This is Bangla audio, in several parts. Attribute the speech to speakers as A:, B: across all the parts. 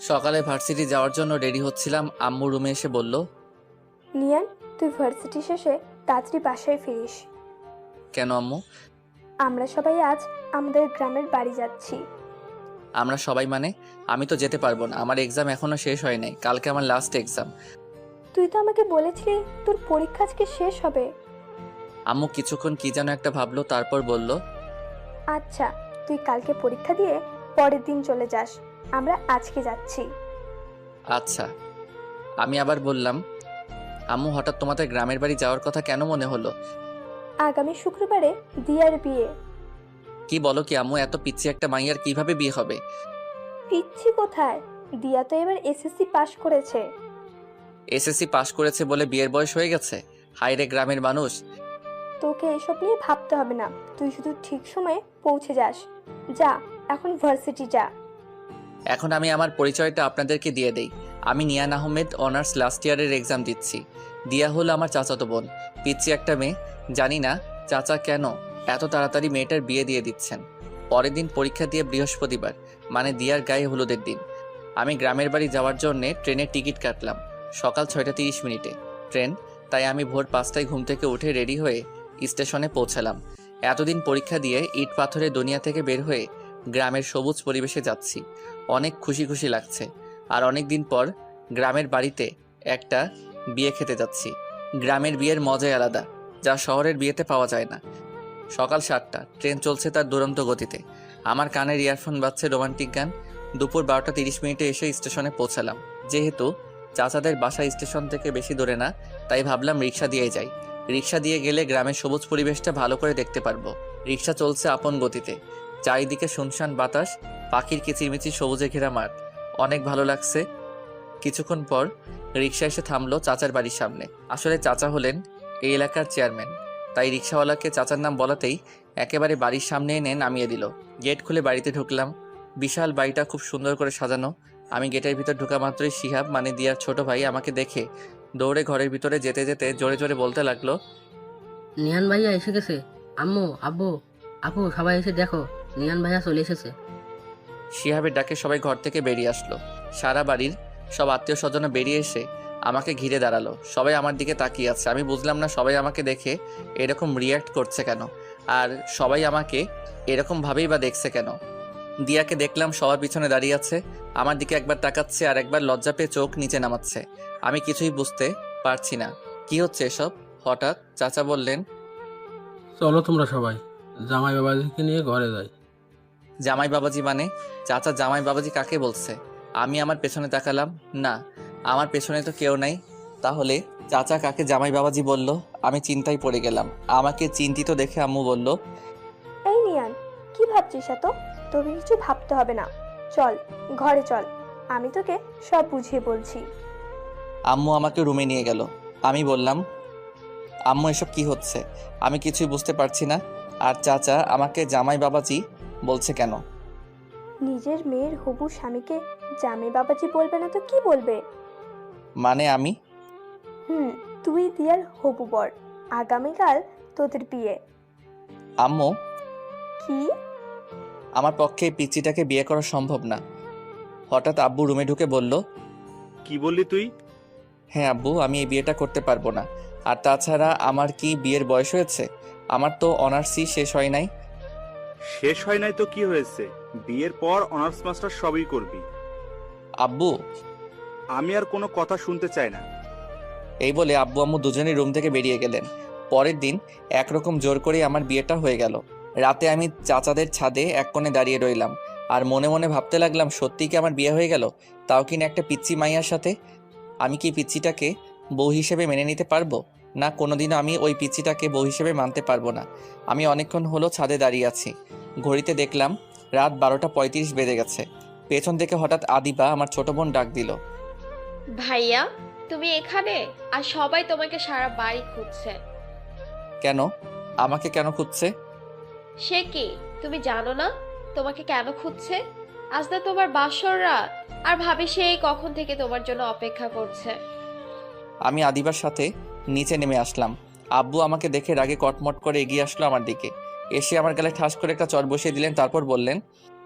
A: সকালে ভার্সিটি যাওয়ার জন্য রেডি হচ্ছিলাম, আম্মু রুমে এসে বলল,
B: নিয়ান, তুই ভার্সিটি শেষে তাড়াতাড়ি বাসায় ফিরিস।
A: কেন আম্মু?
B: আমরা সবাই আজ আমাদের গ্রামের বাড়ি যাচ্ছি।
A: আমরা সবাই মানে? আমি তো যেতে পারবো না, আমার এক্সাম এখনো শেষ হয় নাই, কালকে আমার লাস্ট এক্সাম।
B: তুই তো আমাকে বলেছিলি তোর পরীক্ষা আজকে শেষ হবে।
A: আম্মু কিছুক্ষণ কি যেন একটা ভাবলো, তারপর বলল,
B: আচ্ছা, তুই কালকে পরীক্ষা দিয়ে পরের দিন চলে যাস, আমরা আজকে যাচ্ছি।
A: আচ্ছা। আমি আবার বললাম, আম্মু হঠাৎ তোমাদের গ্রামের বাড়ি যাওয়ার কথা কেন মনে হলো?
B: আগামী শুক্রবারে দিয়ার বিয়ে।
A: কি বলো কি আম্মু, এত পিচ্ছি একটা মাইয়ার কিভাবে বিয়ে হবে?
B: পিচ্ছি কোথায়, দিয়া তো এবার এসএসসি পাশ করেছে।
A: এসএসসি পাশ করেছে বলে বিয়ের বয়স হয়ে গেছে? হায়রে গ্রামের মানুষ।
B: তোকে এসব নিয়ে ভাবতে হবে না, তুই শুধু ঠিক সময়ে পৌঁছে যাস। যা, এখন ভার্সিটি যা।
A: এখন আমি আমার পরিচয়টা আপনাদেরকে দিয়ে দেই। আমি নিয়ান আহমেদ, অনার্স লাস্ট ইয়ারের এক্সাম দিচ্ছি। দিয়া হলো আমার চাচাতো বোন, পিচ্ছি একটা মেয়ে। জানি না চাচা কেন এত তাড়াতাড়ি মেয়েটার বিয়ে দিয়ে দিচ্ছেন। পরের দিন পরীক্ষা দিয়ে বৃহস্পতিবার, মানে দিয়ার গায়ে হলুদের দিন। আমি গ্রামের বাড়ি যাওয়ার জন্যে ট্রেনের টিকিট কাটলাম সকাল 6টা 30 মিনিটে ট্রেন। তাই আমি ভোর 5টায় ঘুম থেকে উঠে রেডি হয়ে স্টেশনে পৌঁছালাম। এতদিন পরীক্ষা দিয়ে ইট পাথরের দুনিয়া থেকে বের হয়ে গ্রামের সবুজ পরিবেশে যাচ্ছি। অনেক খুশি খুশি লাগছে। আর অনেক দিন পর গ্রামের বাড়িতে একটা বিয়ে খেতে যাচ্ছি। গ্রামের বিয়ের মজাই আলাদা, যা শহরের বিয়েতে পাওয়া যায় না। সকাল 7টা, ট্রেন চলছে তার দুরন্ত গতিতে। আমার কানের ইয়ারফোন বাজছে রোমান্টিক গান। দুপুর 12টা 30 মিনিটে এসে স্টেশনে পৌঁছালাম। যেহেতু চাচাদের বাসা স্টেশন থেকে বেশি দূরে না, তাই ভাবলাম রিক্সা দিয়ে যাই। রিক্সা দিয়ে গেলে গ্রামের সবুজ পরিবেশটা ভালো করে দেখতে পারবো। রিক্সা চলছে আপন গতিতে। চারিদিকে শুনশান বাতাস, পাখির কিচিরমিচির সবুজে ঘেরা মাঠ। অনেক ভালো লাগছে। কিছুক্ষণ পর রিক্সা এসে থামলো চাচার বাড়ির সামনে। আসলে চাচা হলেন এই এলাকার চেয়ারম্যান, তাই রিক্সাওয়ালাকে চাচার নাম বলাতেই একেবারে বাড়ির সামনে এনে নামিয়ে দিল। গেট খুলে বাড়িতে ঢুকলাম। বিশাল বাড়িটা খুব সুন্দর করে সাজানো। আমি গেটের ভিতর ঢোকা মাত্রই শিহাব, মানে দিয়ার ছোট ভাই, আমাকে দেখে দৌড়ে ঘরের ভিতরে যেতে যেতে জোরে জোরে বলতে লাগলো,
C: নিয়ান ভাইয়া এসে গেছে। আম্মু, আব্বু, আপু, সবাই এসে দেখো, নিয়ান ভাইয়া চলে এসেছে।
A: শিহাবের ডাকে সবাই ঘর থেকে বেরিয়ে আসলো। সারা বাড়ির সব আত্মীয় স্বজন বেরিয়ে এসে আমাকে ঘিরে দাঁড়ালো। সবাই আমার দিকে তাকিয়ে আছে। আমি বুঝলাম না সবাই আমাকে দেখে এরকম রিয়্যাক্ট করছে কেন, আর সবাই আমাকে এরকম ভাবেই বা দেখছে কেন। দিয়াকে দেখলাম সবার পিছনে দাঁড়িয়ে আছে, আমার দিকে একবার তাকাচ্ছে আর একবার লজ্জা পেয়ে চোখ নিচে নামাচ্ছে। আমি কিছুই বুঝতে পারছি না কি হচ্ছে এসব। হঠাৎ চাচা বললেন,
D: চলো তোমরা সবাই জামাই বাবাজিকে নিয়ে ঘরে যাই।
A: জামাই বাবাজি মানে? চাচা জামাই বাবাজি কাকে বলছে? আমি আমার পেছনে তাকালাম, না, আমার পেছনে তো কেউ নাই। তাহলে চাচা কাকে জামাই বাবাজি বলল? আমি চিন্তায় পড়ে গেলাম। আমাকে চিন্তিত দেখে আম্মু বলল,
B: এই নিয়ান, কি ভাবছিস এত? তোকে কিছু ভাবতে হবে না, চল ঘরে চল, আমি তোকে সব বুঝিয়ে বলছি।
A: আম্মু আমাকে রুমে নিয়ে গেল। আমি বললাম, আম্মু এসব কি হচ্ছে? আমি কিছুই বুঝতে পারছি না। আর চাচা আমাকে জামাই বাবাজি বলছে কেন?
B: নিজের মেয়ের হবু স্বামীকে জামাই বাবাজি বলবে না তো কি বলবে?
A: মানে আমি?
B: তুই দিয়ার হবু বর, আগামীকাল তোদের বিয়ে।
A: আম্মু,
B: কি?
A: আমার পক্ষে এই পিচ্চিটাকে বিয়ে করা সম্ভব না। হঠাৎ আব্বু রুমে ঢুকে বলল,
E: কি বললি তুই?
A: হ্যাঁ আব্বু, আমি এই বিয়েটা করতে পারবো না। আর তাছাড়া আমার কি বিয়ের বয়স হয়েছে? আমার তো অনার্সই শেষ হয় নাই।
E: শেষ হয় নাই তো কি হয়েছে, বিয়ের পর অনার্স মাস্টার সবই করবি।
A: আব্বু,
E: আমি আর কোনো কথা শুনতে চাই না।
A: এই বলে আব্বু আম্মু দুজনেই রুম থেকে বেরিয়ে গেলেন। পরের দিন একরকম জোর করেই আমার বিয়েটা হয়ে গেল। রাতে আমি চাচাদের ছাদে এক কোণে দাঁড়িয়ে রইলাম আর মনে মনে ভাবতে লাগলাম, সত্যি কি আমার বিয়ে হয়ে গেল? তাও কিনা একটা পিচ্চি মাইয়ার সাথে। আমি কি পিচ্চিটাকে বউ হিসেবে মেনে নিতে পারবো? না, কোনোদিনও আমি ওই পিচ্চিটাকে বউ হিসেবে মানতে পারবো না। আমি অনেকক্ষণ হলো ছাদে দাঁড়িয়ে আছি। ঘড়িতে দেখলাম রাত 12টা 35 বেজে গেছে। পেছন থেকে হঠাৎ আদিবা, আমার ছোট বোন, ডাক দিল,
F: ভাইয়া, তুমি এখানে? আর সবাই তোমাকে সারা বাড়ি খুঁজছে।
A: কেন? আমাকে কেন খুঁজছে?
F: সে কি, তুমি জানো না তোমাকে কেন খুঁজছে? আজ না তোমার বাসর রাত, আর ভাবি সেই কখন থেকে তোমার জন্য অপেক্ষা করছে।
A: আমি আদিবার সাথে নিচে নেমে আসলাম। আব্বু আমাকে দেখে রাগে কটমট করে এগিয়ে আসলো আমার দিকে। এসে আমার গালে ঠাস করে একটা চড় বসিয়ে দিলেন, তারপর বললেন,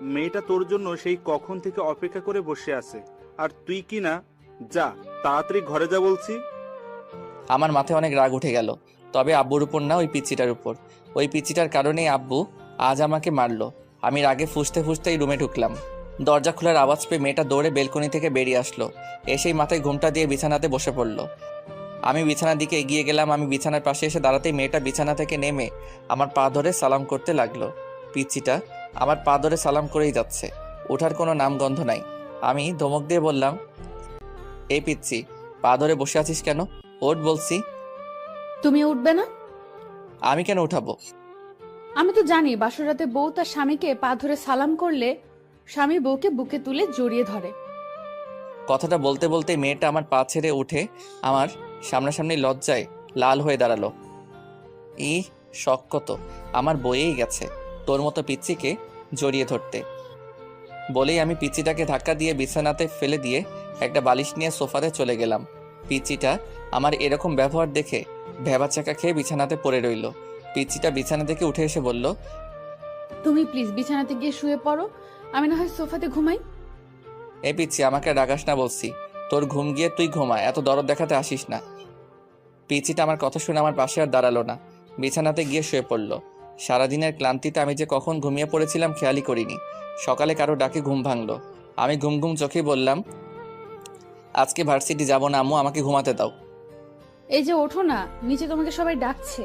E: মেয়েটা তোর জন্য সেই কখন থেকে অপেক্ষা করে বসে আছে, আর তুই কি না? যা, তাড়াতাড়ি ঘরে যা বলছি।
A: আমার মাথায় অনেক রাগ উঠে গেল, তবে আব্বুর উপর না, ওই পিচ্চিটার উপর। ওই পিচ্চিটার কারণেই আব্বু আজ আমাকে মারলো। আমি রাগে ফুঁসতে ফুঁসতেই রুমে ঢুকলাম। দরজা খোলার আওয়াজ পেয়ে মেয়েটা দৌড়ে বেলকনি থেকে বেরিয়ে আসলো। এসেই মাথায় ঘুমটা দিয়ে বিছানাতে বসে পড়লো। আমি বিছানার দিকে এগিয়ে গেলাম। আমি বিছানার পাশে এসে দাঁড়াতেই মেয়েটা বিছানা থেকে নেমে আমার পা ধরে সালাম করতে লাগলো। পিচ্চিটা আমার পা ধরে সালাম করেই যাচ্ছে, ওঠার কোনো নামগন্ধ নাই। আমি ধমক দিয়ে বললাম, এই পিচ্চি, পা ধরে বসে আছিস কেন? ওঠ বলছি।
G: তুমি উঠবে না?
A: আমি কেন উঠাবো?
G: আমি তো জানি বাসর রাতে বউ তার স্বামীকে পা ধরে সালাম করলে স্বামী বউকে বুকে তুলে জড়িয়ে ধরে।
A: কথাটা বলতে বলতে মেয়েটা আমার পা ছেড়ে উঠে আমার সামনাসামনি লজ্জায় লাল হয়ে দাঁড়ালো। ই শখ কত আমার বয়েই গেছে তোর মতো পিচ্চিকে জড়িয়ে ধরতে। বলেই আমি পিচ্চিটাকে ধাক্কা দিয়ে বিছানাতে ফেলে দিয়ে একটা বালিশ নিয়ে সোফাতে চলে গেলাম। পিচ্চিটা আমার এরকম ব্যবহার দেখে ভ্যাবাচাকা খেয়ে বিছানাতে পড়ে রইল। পিচ্চিটা বিছানা থেকে উঠে এসে বলল,
G: তুমি প্লিজ বিছানাতে গিয়ে শুয়ে পড়ো, আমি না হয় সোফাতে ঘুমাই।
A: এই পিচ্চি, আমাকে রাগাস না বলছি। তোর ঘুম গিয়ে তুই ঘুমা, এত দরদ দেখাতে আসিস না। পিচ্চিটা আমার কথা শুনে আমার পাশে আর দাঁড়ালো না, বিছানাতে গিয়ে শুয়ে পড়লো। সারাদিনের ক্লান্তিতে আমি যে কখন ঘুমিয়ে পড়েছিলাম খেয়ালই করিনি। সকালে কারো ডাকে ঘুম ভাঙলো। আমি ঘুম ঘুম চোখেই বললাম, আজকে ভার্সিটি যাব না আম্মু, আমাকে ঘুমাতে দাও।
G: এই যে ওঠো না, নিচে তোমাকে সবাই ডাকছে।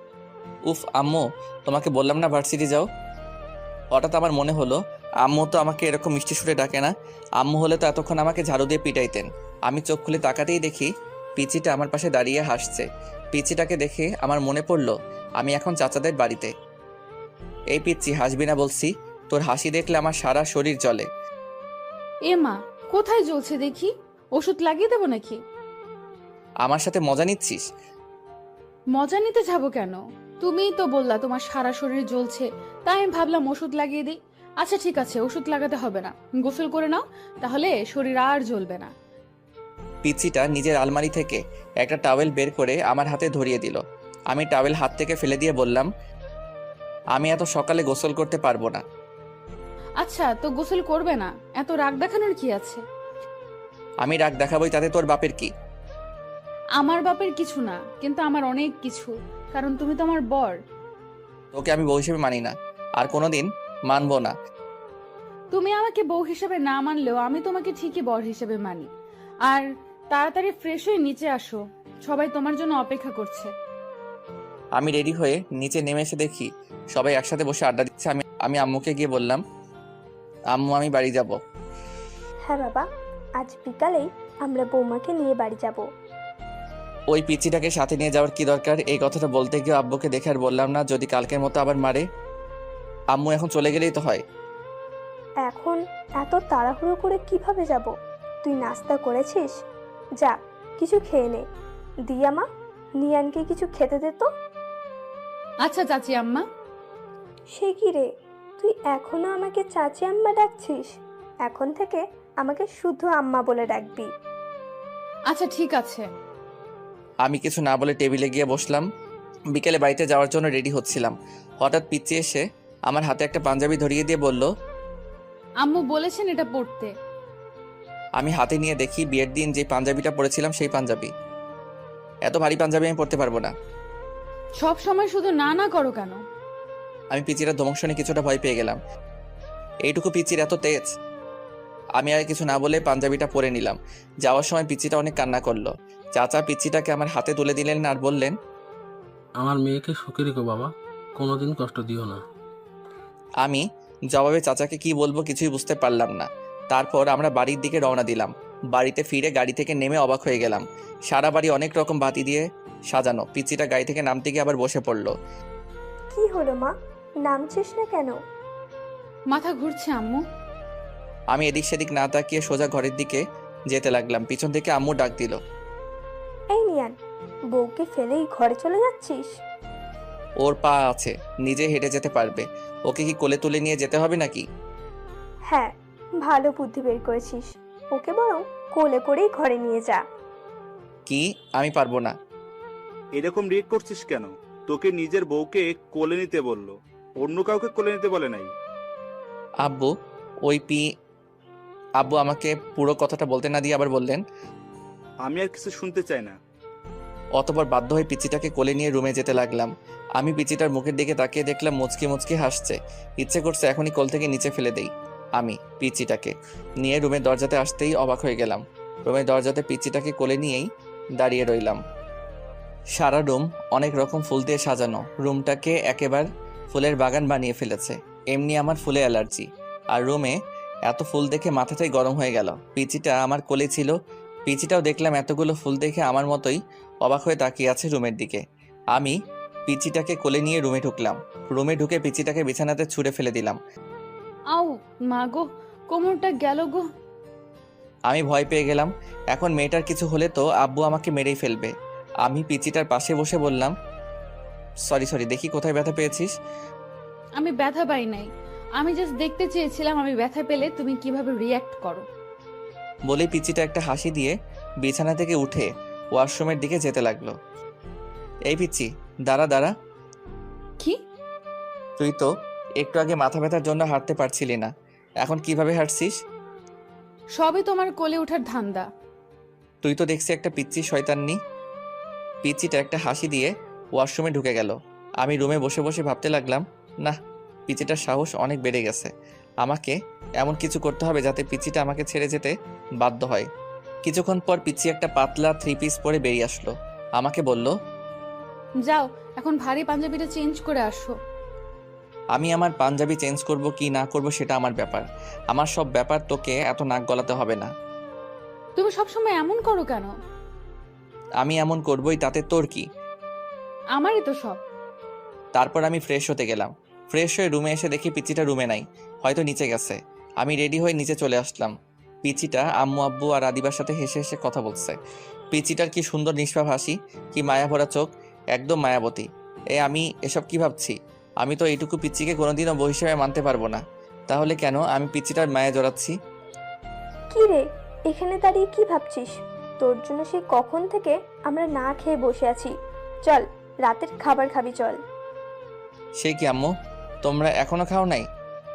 A: উফ আম্মু, তোমাকে বললাম না ভার্সিটি যাও। হঠাৎ আমার মনে হলো আম্মু তো আমাকে এরকম মিষ্টি সুরে ডাকে না। আম্মু হলে তো এতক্ষণ আমাকে ঝাড়ু দিয়ে পিটাইতেন। আমি চোখ খুলে তাকাতেই দেখি পিচিটা আমার পাশে দাঁড়িয়ে হাসছে। পিচিটাকে দেখে আমার মনে পড়লো আমি এখন চাচাদের বাড়িতে। এই পিচ্চি, হাসবি না বলছি, তোর হাসি দেখলে আমার সারা শরীর জ্বলে।
G: এ মা, কোথায় জ্বলছে দেখি? ওষুধ লাগিয়ে দেবো নাকি?
A: আমার সাথে মজা নিচ্ছিস?
G: মজা নিতে যাবো কেন? তুমিই তো বললা তোমার সারা শরীর জ্বলছে, তাই আমি ভাবলাম ওষুধ লাগিয়ে দিই। আচ্ছা ঠিক আছে, ওষুধ লাগাতে হবে না, গোসল করে নাও, তাহলে শরীর আর জ্বলবে না।
A: পিচ্চিটা নিজের আলমারি থেকে একটা টাওয়েল বের করে আমার হাতে ধরিয়ে দিল। আমি টাওয়েল হাত থেকে ফেলে দিয়ে বললাম, আমি এত সকালে গোসল করতে পারবো না।
G: আচ্ছা তো গোসল করবে না, এত রাগ দেখানোর কি আছে?
A: আমি রাগ দেখাবই, তাতে তোর বাপের কি?
G: আমার বাপের কিছু না, কিন্তু আমার অনেক কিছু, কারণ তুমি তো আমার বর।
A: তোকে আমি বউ হিসেবে মানি না, আর কোনোদিন মানবো না।
G: তুমি আমাকে বউ হিসেবে না মানলেও আমি তোমাকে ঠিকই বর হিসেবে মানি। আর তাড়াতাড়ি ফ্রেশ হয়ে নিচে আসো, সবাই তোমার জন্য অপেক্ষা করছে।
A: আমি রেডি হয়ে নিচে নেমে এসে দেখি সবাই একসাথে বসে আড্ডা দিচ্ছে। আমি আম্মুকে গিয়ে বললাম, আম্মু আমি বাড়ি যাব।
B: হ্যাঁ বাবা, আজ বিকালেই আমরা বৌমাকে নিয়ে বাড়ি যাব।
A: ওই পিচ্চিটাকে সাথে নিয়ে যাওয়ার কি দরকার? এই কথাটা বলতে গিয়ে আব্বুকে দেখে আর বললাম না, যদি কালকের মতো আবার মারে। আম্মু এখন চলে গেলেই তো হয়।
B: এখন এত তাড়াহুড়ো করে কিভাবে যাব? তুই নাস্তা করেছিস? যা, কিছু খেয়ে নে। দিয়া মা, নিয়ানকে কিছু খেতে দে তো।
G: আচ্ছা চাচি আম্মা।
B: সে কি রে, তুই এখনো আমাকে চাচি আম্মা ডাকছিস? এখন থেকে আমাকে শুধু আম্মা বলে ডাকবি।
G: আচ্ছা ঠিক আছে।
A: আমি কিছু না বলে টেবিলে গিয়ে বসলাম। বিকেলে বাড়িতে যাওয়ার জন্য রেডি হচ্ছিলাম, হঠাৎ পিচ্চি এসে আমার হাতে একটা পাঞ্জাবি ধরিয়ে দিয়ে বলল,
G: আম্মু বলেছেন এটা পড়তে।
A: আমি হাতে নিয়ে দেখি বিয়ের দিন যে পাঞ্জাবিটা পরেছিলাম সেই পাঞ্জাবি। এত ভারী পাঞ্জাবি আমি পরতে পারবো না।
G: সব সময় শুধু না না করো কেন?
A: আমি পিচিরা ধমক শুনে কিছুটা ভয় পেয়ে গেলাম। এইটুকু পিচির এত তেজ! আমি আর কিছু না বলে পাঞ্জাবিটা পরে নিলাম। যাওয়ার সময় পিচিটা অনেক কান্না করলো। চাচা পিচিটাকে আমার হাতে তুলে দিলেন আর বললেন,
D: আমার মেয়েকে সুখে রেখো বাবা, কোনোদিন কষ্ট দিও না।
A: আমি জবাবে চাচাকে কি বলবো কিছুই বুঝতে পারলাম না। তারপর আমরা বাড়ির দিকে রওনা দিলাম। বাড়িতে ফিরে গাড়ি থেকে নেমে অবাক হয়ে গেলাম। সারা বাড়ি অনেক রকম বাতি দিয়ে সাজানো। পিচিটা গাড়ি থেকে নামতে গিয়ে আবার বসে পড়লো।
B: কি হলো মা, নামছিস না কেন?
G: মাথা ঘুরছে আম্মু।
A: আমি এদিক সেদিক না তাকিয়ে সোজা ঘরের দিকে যেতে লাগলাম। পিছন থেকে আম্মু ডাক দিল,
B: এই নিয়ান, বউকে ফেলেই ঘরে চলে যাচ্ছিস?
A: ওর পা আছে, নিজে হেঁটে যেতে পারবে, ওকে কি কোলে তুলে নিয়ে যেতে হবে নাকি?
B: হ্যাঁ, ভালো বুদ্ধি বের করেছিস। ওকে বরং কোলে করেই ঘরে নিয়ে যা।
A: কি? আমি পারবো না।
E: এরকম রিয়েক্ট করছিস কেন? তোকে নিজের বউকে কোলে নিতে বললো, অন্য কাউকে কোলে নিতে বলে নাই।
A: আব্বু ওই আব্বু আমাকে পুরো কথাটা বলতে না দিয়ে আবার বললেন।
E: আমি আর কিছু শুনতে চাই না।
A: অতঃপর বাধ্য হয়ে পিচিটাকে কোলে নিয়ে রুমে যেতে লাগলাম। আমি পিচিটার মুখের দিকে তাকিয়ে দেখলাম মুচকি মুচকি হাসছে। ইচ্ছে করছে এখনই কোল থেকে নিচে ফেলে দেই। আমি পিচিটাকে নিয়ে রুমের দরজাতে আসতেই অবাক হয়ে গেলাম। রুমের দরজাতে পিচিটাকে কোলে নিয়েই দাঁড়িয়ে রইলাম। সারা রুম অনেক রকম ফুল দিয়ে সাজানো। রুমটাকে একেবারে ফুলের বাগান বানিয়ে ফেলেছে। এমনি আমার ফুলে অ্যালার্জি, আর রুমে এত ফুল দেখে মাথাটাই গরম হয়ে গেল। পিচিটা আমার কোলে ছিল। পিচিটাও দেখলাম এতগুলো ফুল দেখে আমার মতোই অবাক হয়ে তাকিয়ে আছে রুমের দিকে। আমি পিচিটাকে কোলে নিয়ে রুমে ঢুকলাম। রুমে ঢুকে পিচিটাকে বিছানাতে ছুঁড়ে ফেলে দিলাম।
G: আউ মা গো, কোমরটা গেল গো।
A: আমি ভয় পেয়ে গেলাম। এখন মেয়েটার কিছু হলে তো আব্বু আমাকে মেরেই ফেলবে। আমি পিচিটার পাশে বসে বললাম, সরি, দেখি কোথায় ব্যথা পেয়েছিস।
G: আমি ব্যথা পাই নাই, আমি জাস্ট দেখতে চেয়েছিলাম আমি ব্যথা পেলে তুমি কিভাবে রিয়্যাক্ট করো।
A: বলেই পিচিটা একটা হাসি দিয়ে বিছানা থেকে উঠে ওয়াশরুমের দিকে যেতে লাগলো। এই পিচি, দাঁড়া।
G: কি?
A: তুই তো একটু আগে মাথা ব্যথার জন্য হাঁটতে পারছিলি না, এখন কিভাবে হাঁটছিস?
G: সবই তোমার কোলে ওঠার ধান্দা।
A: তুই তো দেখছি একটা পিচ্চি শয়তান্নি। পিচিটা একটা হাসি দিয়ে ওয়াশরুমে ঢুকে গেল। আমি রুমে বসে বসে ভাবতে লাগলাম, না, পিচিটার সাহস অনেক বেড়ে গেছে। আমাকে এমন কিছু করতে হবে যাতে পিচিটা আমাকে ছেড়ে যেতে বাধ্য হয়। কিছুক্ষণ পর পিচি একটা পাতলা 3 পিস পরে বেরিয়ে আসলো। আমাকে বলল,
G: যাও এখন ভারী পাঞ্জাবিটা চেঞ্জ করে আসো।
A: আমি আমার পাঞ্জাবি চেঞ্জ করব কি না করব সেটা আমার ব্যাপার। আমার সব ব্যাপার তোকে এত নাক গলাতে হবে না।
G: তুমি সবসময় এমন করো কেন?
A: আমি এমন করবই, তাতে তোর কি?
G: আমারই তো সব।
A: তারপর আমি ফ্রেশ হতে গেলাম। ফ্রেশ হয়ে রুমে এসে দেখি পিচিটা রুমে নাই, হয়তো নিচে গেছে। আমি রেডি হয়ে নিচে চলে আসলাম। পিচিটা আম্মু আব্বু আর আদিবার সাথে হেসে হেসে কথা বলছে। পিচিটার কি সুন্দর নিষ্পাপ হাসি, কি মায়া ভরা চোখ, একদম মায়াবতী। আমি এসব কি ভাবছি? আমি তো এইটুকু পিচিকে কোনোদিনও বউ হিসেবে মানতে পারবো না। তাহলে কেন আমি পিচিটার মায়া জড়াচ্ছি?
B: কি রে, এখানে দাঁড়িয়ে কি ভাবছিস? তোর জন্য সেই কখন থেকে আমরা না খেয়ে বসে আছি। চল, রাতের খাবার খাবি, চল।
A: সে কি আম্মু, তোমরা এখনো খাও নাই?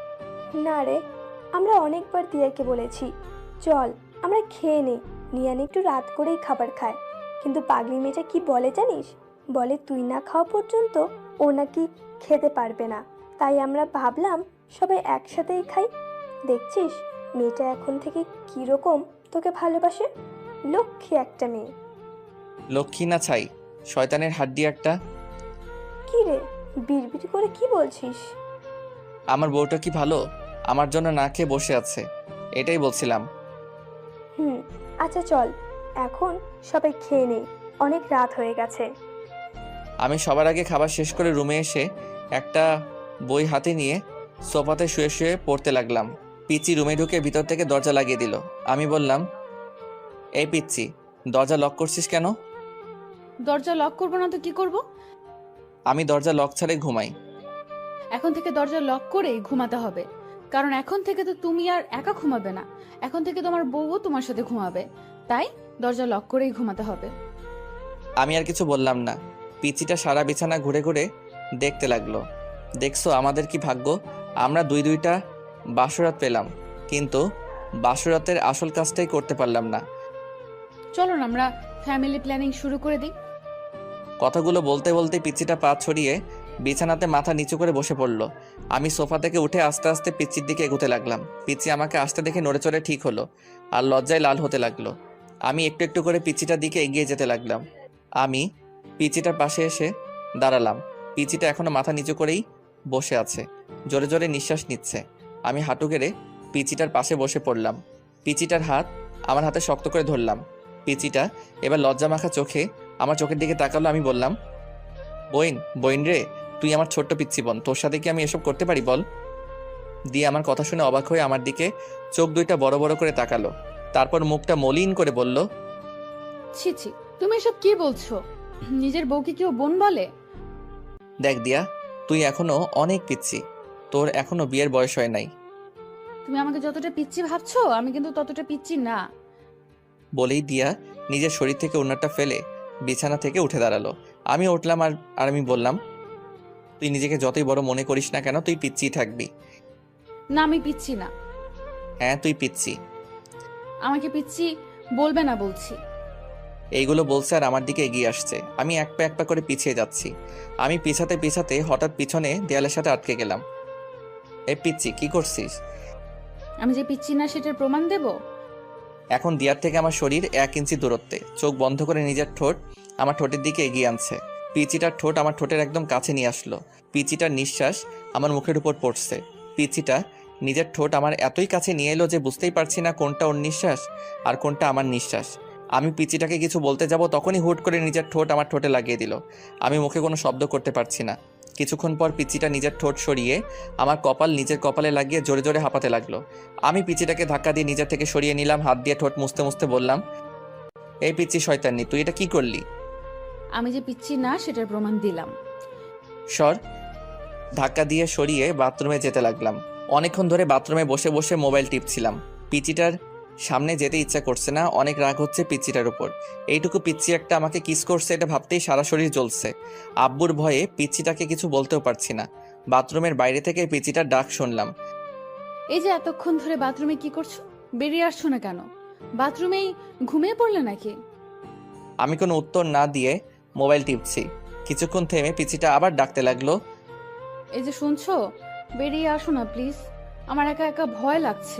B: না রে, আমরা অনেকবার দিয়াকে বলেছি চল আমরা খেয়ে নেই, নিয়ান একটু রাত করেই খাবার খায়। কিন্তু পাগলি মেয়েটা কি বলে জানিস? বলে তুই না খাওয়া পর্যন্ত ও নাকি খেতে পারবে না। তাই আমরা ভাবলাম সবাই একসাথেই খাই। দেখছিস মেয়েটা এখন থেকে কিরকম তোকে ভালোবাসে। লক্ষ্মী একটা মেয়ে।
A: লক্ষ্মী না ছাই, শয়তানের হাড্ডি একটা।
B: কি রে, বিড়বিড় করে কি বলছিস?
A: আমার বউটা কি ভালো আমার জন্য না খেয়ে বসে আছে, এটাই বলছিলাম।
B: আচ্ছা চল, এখন সবাই খেয়ে নেই, অনেক রাত হয়ে গেছে।
A: আমি সবার আগে খাবার শেষ করে রুমে এসে একটা বই হাতে নিয়ে সোফাতে শুয়ে শুয়ে পড়তে লাগলাম। পিচি রুমে ঢুকে ভিতর থেকে দরজা লাগিয়ে দিল। আমি বললাম, এই পিচ্ছি, দরজা লক করছিস কেন?
G: দরজা লক করবো না তো কি করব?
A: আমি দরজা লক ছাড়াই ঘুমাই।
G: এখন থেকে দরজা লক করেই ঘুমাতে হবে, কারণ এখন থেকে তো তুমি আর একা ঘুমাবে না, এখন থেকে তোমার বউও তোমার সাথে ঘুমাবে। তাই দরজা লক করেই ঘুমাতে হবে।
A: আমি আর কিছু বললাম না। পিচিটা সারা বিছানা ঘুরে ঘুরে দেখতে লাগলো। দেখছো আমাদের কি ভাগ্য, আমরা দুইটা বাসরাত পেলাম, কিন্তু বাসরাতের আসল কাজটাই করতে পারলাম না।
G: চলো না আমরা ফ্যামিলি প্ল্যানিং শুরু করে দিই।
A: কথাগুলো বলতে বলতে পিচিটা পা ছড়িয়ে বিছানাতে মাথা নিচু করে বসে পড়ল। আমি সোফা থেকে উঠে আস্তে আস্তে পিচির দিকে এগোতে লাগলাম। পিচি আমাকে আসতে দেখে নড়ে চড়ে ঠিক হলো আর লজ্জায় লাল হতে লাগলো। আমি একটু একটু করে পিচিটার দিকে এগিয়ে যেতে লাগলাম। আমি পিচিটার পাশে এসে দাঁড়ালাম। পিচিটা এখনো মাথা নিচু করেই বসে আছে, জোরে জোরে নিঃশ্বাস নিচ্ছে। আমি হাঁটু গেড়ে পিচিটার পাশে বসে পড়লাম। পিচিটার হাত আমার হাতে শক্ত করে ধরলাম। পিচিটা এবার লজ্জা মাখা চোখে আমার চোখের দিকে তাকালো। আমি বললাম, বইন রে, তুই আমার ছোট্ট পিচ্ছি বোন, তোর সাথে কি আমি এসব করতে পারি বল? দিয়ে আমার কথা শুনে অবাক হয়ে আমার দিকে চোখ দুইটা বড় বড় করে তাকালো। তারপর মুখটা মলিন করে বলল,
G: ছি ছি, তুমি এসব কি বলছো? নিজের বউকে কেউ বোন বলে?
A: দেখ দিয়া, তুই এখনো অনেক পিচ্ছি, তোর এখনো বিয়ের বয়স হয় নাই।
G: তুমি আমাকে যতটা পিচ্ছি ভাবছো আমি কিন্তু ততটা পিচ্ছি না।
A: বলেই দিয়া নিজের শরীর থেকে ওড়নাটা ফেলে বিছানা থেকে উঠে দাঁড়ালো। আমি উঠলাম আর আমি বললাম, তুই নিজেকে যতই বড় মনে করিস না কেন, তুই পিচ্ছিই থাকবি।
G: না আমি পিচ্ছি না।
A: হ্যাঁ তুই পিচ্ছি।
G: আমাকে পিচ্ছি বলবে না বলছি।
A: এইগুলো বলছে আর আমার দিকে এগিয়ে আসছে। আমি এক পা করে পিছিয়ে যাচ্ছি। আমি পিছাতে পিছাতে হঠাৎ পিছনে দেয়ালের সাথে আটকে গেলাম। এই পিচ্ছি কি করছিস?
G: আমি যে পিচ্ছি না সেটার প্রমাণ দেব।
A: এখন দিয়ার থেকে আমার শরীর 1 ইঞ্চি দূরত্বে। চোখ বন্ধ করে নিজের ঠোঁট আমার ঠোঁটের দিকে এগিয়ে আনছে। পিচিটার ঠোঁট আমার ঠোঁটের একদম কাছে নিয়ে আসলো। পিচিটার নিঃশ্বাস আমার মুখের উপর পড়ছে। পিচিটা নিজের ঠোঁট আমার এতই কাছে নিয়ে এলো যে বুঝতেই পারছি না কোনটা ওর নিঃশ্বাস আর কোনটা আমার নিঃশ্বাস। আমি পিচিটাকে কিছু বলতে যাব তখনই হুট করে নিজের ঠোঁট আমার ঠোঁটে লাগিয়ে দিল। আমি মুখে কোনো শব্দ করতে পারছি না। কিছুক্ষণ পর পিচিটা নিজের ঠোঁট সরিয়ে আমার কপাল নিজের কপালে লাগিয়ে জোরে জোরে হাঁপাতে লাগলো। আমি পিচিটাকে ধাক্কা দিয়ে নিজের থেকে সরিয়ে নিলাম। হাত দিয়ে ঠোঁট মুছতে মুছতে বললাম, এই পিচ্ছি শয়তানি, তুই এটা কি করলি?
G: আমি যে পিচ্ছি না সেটার প্রমাণ দিলাম।
A: সর। ধাক্কা দিয়ে সরিয়ে বাথরুমে যেতে লাগলাম। অনেকক্ষণ ধরে বাথরুমে বসে বসে মোবাইল টিপছিলাম। পিচিটার সামনে যেতে ইচ্ছা করছে না। অনেক রাগ হচ্ছে পিচ্চিটার উপর। এইটুকু পিচ্চি একটা আমাকে কিস করছে এটা ভাবতেই সারা শরীর জ্বলছে। আব্বুর ভয়ে পিচ্চিটাকে কিছু বলতেও পারছি না। বাথরুমের বাইরে থেকে পিচ্চিটার ডাক শুনলাম।
G: এই যে এতক্ষণ ধরে বাথরুমে কি করছো? বেরিয়ে আসছো না কেন? বাথরুমেই ঘুমিয়ে পড়লে নাকি?
A: আমি কোনো উত্তর না দিয়ে মোবাইল টিপছি। কিছুক্ষণ থেমে পিচ্চিটা আবার ডাকতে লাগলো।
G: এই যে শুনছো, বেরিয়ে আসো না প্লিজ, আমার একা একা ভয় লাগছে।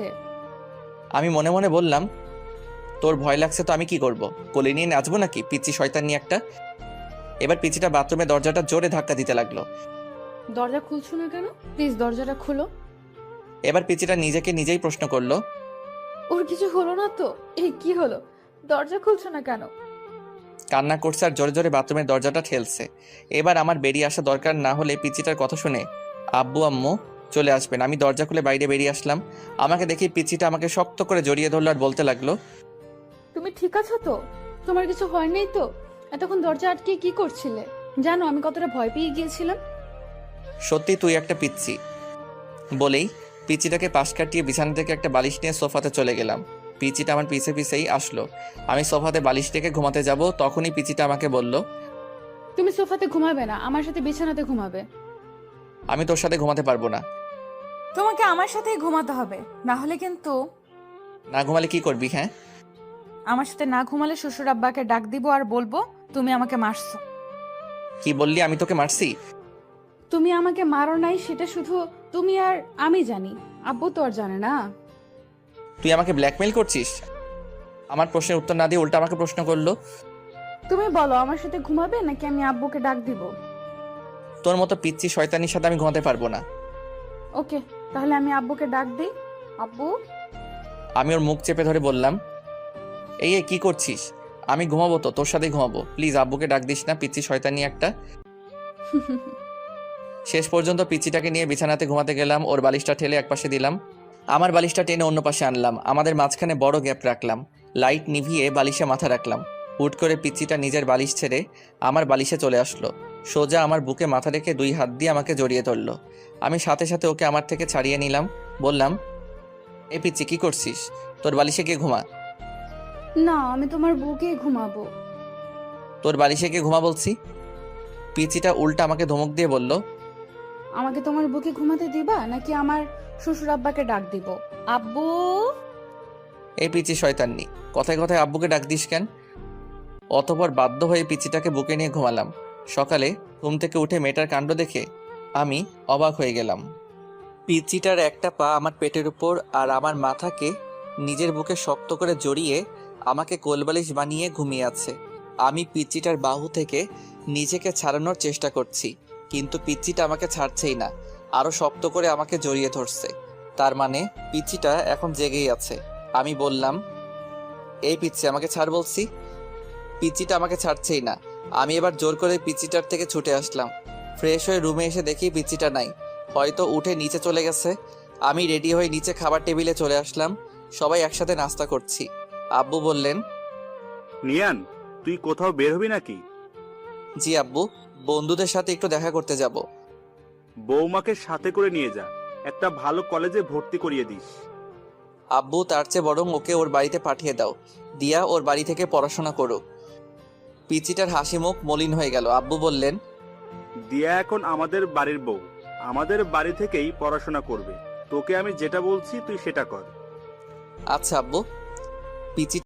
A: আমি মনে মনে বললাম, তোর ভয় লাগছে তো আমি কি করব? কোলে নিয়ে নাচবো নাকি পিচ্চি শয়তানি একটা? এবার পিচ্চিটা বাথরুমে দরজাটা জোরে ধাক্কা দিতে লাগলো।
G: দরজা খুলছো না কেন? প্লিজ দরজাটা খুলো।
A: এবার পিচ্চিটা নিজেকে নিজেই প্রশ্ন করলো,
G: ওর কিছু হলো না তো? এই কি হলো, দরজা খুলছো না কেন?
A: কান্না করছে আর জোরে জোরে বাথরুমের দরজাটা ঠেলছে। এবার আমার বেরিয়ে আসা দরকার না হলে পিচ্চিটার কথা শুনে আব্বু আম্মু চলে আসবেন। আমি দরজা খুলে বাইরে বেরিয়ে আসলাম। আমাকে দেখি পিচ্চিটা আমাকে শক্ত করে জড়িয়ে ধরলো আর বলতে লাগলো,
G: তুমি ঠিক আছো তো? তোমার কিছু হয়নি তো? এতক্ষণ দরজা আটকে কি করছিলে? জানো আমি কতটা ভয় পেয়ে গিয়েছিলাম।
A: সত্যি তুই একটা পিচ্চি। বলেই পিচ্চিটাকে পাশ কাটিয়ে বিছানা থেকে একটা বালিশ নিয়ে সোফাতে চলে গেলাম। পিচিটা আমার পিছে পিছেই আসলো। আমি সোফাতে বালিশ রেখে ঘুমাতে যাব তখনই পিচিটা আমাকে বলল,
G: তুমি সোফাতে ঘুমাবে না, আমার সাথে বিছানাতে ঘুমাবে।
A: আমি তোর সাথে ঘুমাতে পারবো না।
G: তোমাকে আমার সাথেই ঘুমাতে হবে, না হলে কিন্তু
A: না ঘুমালে কি করবি? হ্যাঁ,
G: আমার সাথে না ঘুমালে শ্বশুর আব্বাকে ডাক দিব আর বলবো তুমি আমাকে মারছো।
A: কি বললি? আমি তোকে মারছি?
G: তুমি আমাকে মারো নাই সেটা শুধু তুমি আর আমি জানি, আব্বু তো আর জানে না।
A: তুই আমাকে ব্ল্যাকমেল করছিস? আমার প্রশ্নের উত্তর না দিয়ে উল্টা আমাকে প্রশ্ন করলো।
G: তুমি বলো আমার সাথে ঘুমাবে নাকি আমি আব্বুকে ডাক দিব?
A: তোর মতো পিচ্চি শয়তানির সাথে আমি ঘুমাতে পারবো না।
G: ওকে, তাহলে আমি আব্বুকে ডাক দিই। আব্বু।
A: আমি ওর মুখ চেপে ধরে বললাম, এই কি করছিস? আমি ঘুমাবো তো, তোর সাথেই ঘুমাবো। প্লিজ আব্বুকে ডাক দিস না, পিচ্চি শয়তানি একটা। শেষ পর্যন্ত পিচ্চিটাকে নিয়ে বিছানাতে ঘুমাতে গেলাম। ওর বালিশটা ঠেলে একপাশে দিলাম, আমার বালিশটা টেনে অন্য পাশে আনলাম। আমাদের মাঝখানে বড় গ্যাপ রাখলাম। লাইট নিভিয়ে বালিশে মাথা রাখলাম। হুট করে পিচ্চিটা নিজের বালিশ ছেড়ে আমার বালিশে চলে আসলো। সোজা আমার বুকে মাথা রেখে 2 হাত দিয়ে আমাকে জড়িয়ে ধরলো। আমি সাথে সাথে ওকে আমার থেকে ছাড়িয়ে নিলাম। বললাম, এই পিচ্চি কি করছিস? তোর বালিশে গিয়ে ঘুমা।
G: না, আমি তোমার বুকে ঘুমাবো।
A: তোর বালিশে গিয়ে ঘুমা বলছি। পিচ্চিটা উল্টা আমাকে ধমক দিয়ে বলল,
G: আমাকে তোমার বুকে ঘুমাতে দিবা নাকি আমার শ্বশুর আব্বাকে ডাক দিব? আব্বু।
A: এই পিচ্চি শয়তান্নি, কথায় কথায় আব্বুকে ডাক দিস কেন? অতঃপর বাধ্য হয়ে পিচ্চিটাকে বুকে নিয়ে ঘুমালাম। সকালে ঘুম থেকে উঠে মেয়েটার কাণ্ড দেখে আমি অবাক হয়ে গেলাম। পিচ্চিটার একটা পা আমার পেটের উপর আর আমার মাথাকে নিজের বুকে শক্ত করে জড়িয়ে আমাকে কোলবালিশ বানিয়ে ঘুমিয়ে আছে। আমি পিচ্চিটার বাহু থেকে নিজেকে ছাড়ানোর চেষ্টা করছি, কিন্তু পিচ্চিটা আমাকে ছাড়ছেই না, আরো শক্ত করে আমাকে জড়িয়ে ধরছে। তার মানে পিচ্চিটা এখন জেগেই আছে। আমি বললাম, এই পিচ্চি আমাকে ছাড় বলছি। পিচ্চিটা আমাকে ছাড়ছেই না। আমি এবার জোর করে পিচ্চিটার থেকে ছুটে আসলাম। ফ্রেশ হয়ে রুমে এসে দেখি পিচ্চিটা নাই, হয়তো উঠে নিচে চলে গেছে। আমি রেডি হয়ে নিচে খাবার টেবিলে চলে আসলাম। সবাই একসাথে নাস্তা করছি। আব্বু বললেন,
E: নিয়ান, তুই কোথাও বের হবি নাকি?
A: জি আব্বু, বন্ধুদের সাথে একটু দেখা করতে যাব।
E: বৌমাকে সাথে করে নিয়ে যা, একটা ভালো কলেজে ভর্তি করিয়ে দিস।
A: আব্বু, তার চেয়ে বরং ওকে ওর বাড়িতে পাঠিয়ে দাও, দিয়া ওর বাড়ি থেকে পড়াশোনা করুক। পিচিটার হাসি মুখ মলিন হয়ে গেল। আব্বু বললেন,
E: দিয়া এখন আমাদের বাড়ির বউ, আমাদের বাড়ি থেকেই পড়াশোনা করবে। তোকে আমি যেটা বলছি তুই সেটা কর।
A: আচ্ছা আব্বু। পিচি